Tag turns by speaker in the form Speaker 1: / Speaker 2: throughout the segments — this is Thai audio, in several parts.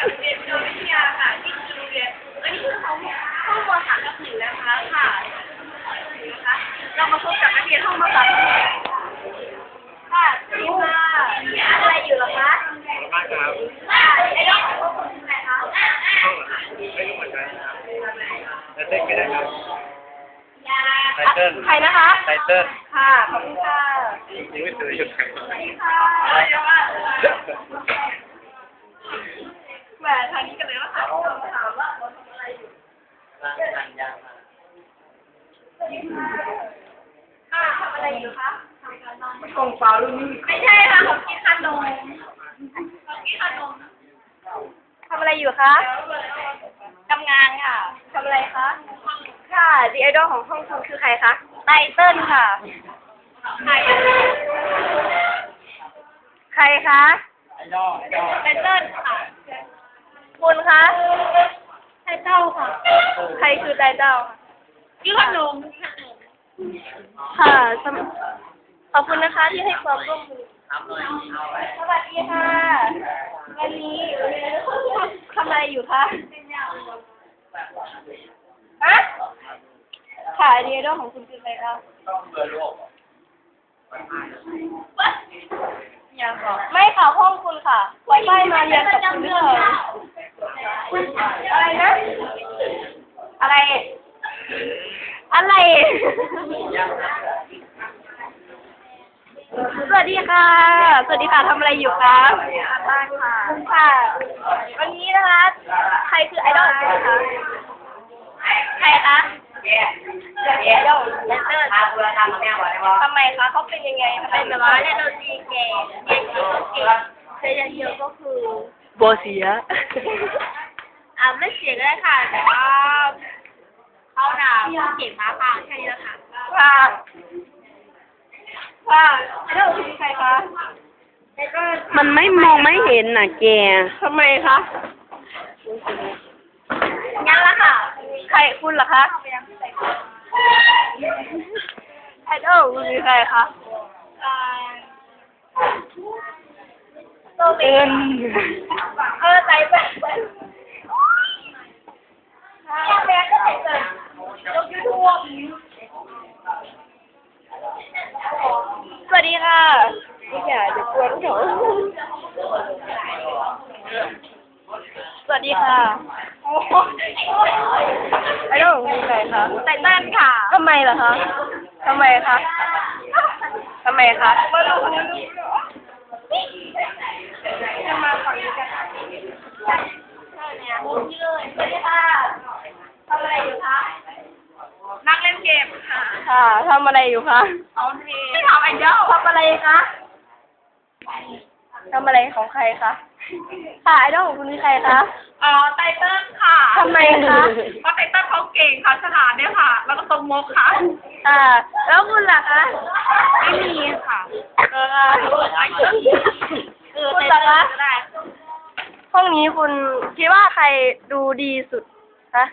Speaker 1: เรียนวิทยาค่ะที่โรงเรียนอันนี้คือห้องม.3/1นะคะค่ะนะคะเรามาพบกับนักเรียนห้องม.3/1ค่ะสวัสดีค่ะอะไรอยู่หรอคะ
Speaker 2: มากครับ
Speaker 1: ไอ้ดอกของคุณคือใครคะ
Speaker 2: ห้องเหรอครับไม่รู้เหมือนกันครับไตเติ้ลก็ได้ครับไตเติ้ล
Speaker 1: ใครนะคะ
Speaker 2: ไตเติ้ล
Speaker 1: ค่ะขอบคุณค่ะ
Speaker 2: ยังไม่เคยอยู่ไหน
Speaker 1: สวัสดีค่ะเยอะมากแหมทางนี้กันเลยว่าถามว่าเราทำอะไรอยู่ค่ะทำอะไรอยู่คะ
Speaker 2: กองฟ้ารุ่นนี้
Speaker 1: ไม่ใช่ค่ะผมกินขนมทำอะไรอยู่คะทำงานค่ะทำอะไรคะค่ะดีไอดอลของห้องคุณคือใครคะไตเติ้ลค่ะใครคะ
Speaker 2: ไอดอล
Speaker 1: ไตเติ้ลค่ะคุณคะไตเติ้ลค่ะใครคือไตเติ้ลค่ะกินขนมค่ะขอบคุณนะคะที่ให้ความร่วมมือสวัสดีค่ะวันนี้ทำอะไรอยู่คะฮะค่ะดีไอดอลของคุณคือใครคะยังบอกไม่ค่ะห้องคุณค่ะไว้ไม่มาเรียนกับคุณเลยอะไรนะอะไรสวัสดีค่ะทำอะไรอยู่คะบ้านค่ะค่ะวันนี้นะคะใครคือไอดอลของคุณคะใครคะไอดอลเลสเตอร์ทำไมคะเขาเป็นยังไงเป็นแบบว่าเล่นดนตรีเก่งเรียนเยอะก็เก่งใช้เยอะก็คือ
Speaker 2: โบเสีย
Speaker 1: ไม่เสียก็ได้ค่ะแต่ว่าเขาด่าเก่งมากค่ะแค่นี้แหละค่ะค่ะแล้วคุณใครคะ
Speaker 3: มันไม่มองไม่เห็นน่ะแก
Speaker 1: ทำไมคะงั้นละค่ะใครคุณเหรอคะไอดอลคุณคือใครคะโตเป็นใจแบบแบก็ใส่เกินยกยูทูบสวัสดีค่ะอย่าเดี๋ยวกวนเขาสวัสดีค่ะไอ้ดอกมีใครคะไตเติ้ลค่ะทำไมล่ะคะทำไมคะมาดูจะมาฝั่งนี้กันเนี่ยนี่เลยสวัสดีค่ะทำอะไรอยู่คะนั่งเล่นเกมค่ะ
Speaker 3: ทำอะไรอยู่คะ
Speaker 1: เอาเพลงไม่ทำไอดอลทำอะไรคะ
Speaker 3: ทำอะไรของใครคะค่ะไอดอลของคุณคือใครคะ
Speaker 1: ไตเติ้ลค่ะ
Speaker 3: ทำไมคะ
Speaker 1: เพราะไตเติ้ลเขาเก่งค่ะฉลาดเนี่ยค่ะแล้วก็ตรงมกค่ะ
Speaker 3: แล้วคุณล่ะคะ
Speaker 1: ไม่มีค่ะ
Speaker 3: คุณล่ะคะห้องนี้คุณคิดว่าใครดูดีสุดคะ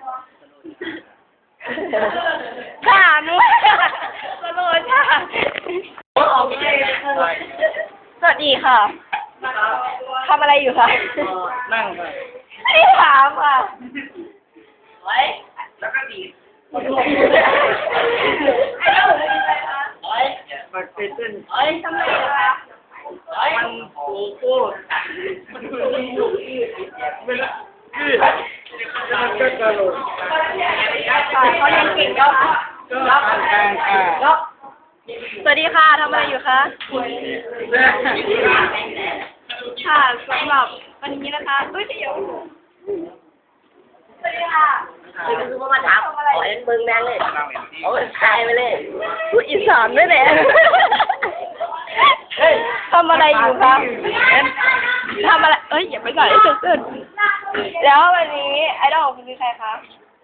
Speaker 3: ค่ะนุ้ยสโลจ้าสวัสดีค่ะทำอะไรอยู่คะ
Speaker 2: นั่งค่ะ
Speaker 3: ไม่ถามค่ะ
Speaker 1: ไว้แล้วก็ดีไอ้เจ้าหนูเป็นอะไรคะ
Speaker 2: มาเต้น
Speaker 1: ทำไมคะ
Speaker 2: มันโอ้โหมันคือเวลาคือมันก็กระโดด
Speaker 1: เขายังเก่งก็
Speaker 2: รับการค่ะ
Speaker 3: สวัสดีค่ะทำอะไรอยู่คะค่ะสำหรับวันนี้นะคะเดี๋ยวสวัสดีค่ะ
Speaker 4: คือมาถามขอเอ็นเบิ้งแดงเลยโอ้ยตายไปเลย
Speaker 3: พูดอีสานด้วยแหละทำอะไรอยู่คะทำอะไรอย่าไปใส่เสื้อแล้ววันนี้ไอดอลของคุณคือใครคะ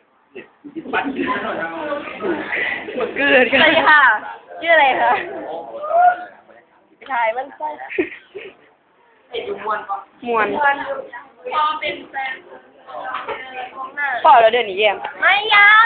Speaker 2: หมดเกลือ
Speaker 3: สวัสดีค่ะชื่ออะไรคะถ่ายมันใช่มวน
Speaker 1: พอเป็นแฟน
Speaker 3: พอแล้วเดี๋ยวนี้แยม
Speaker 1: ไม่ยัง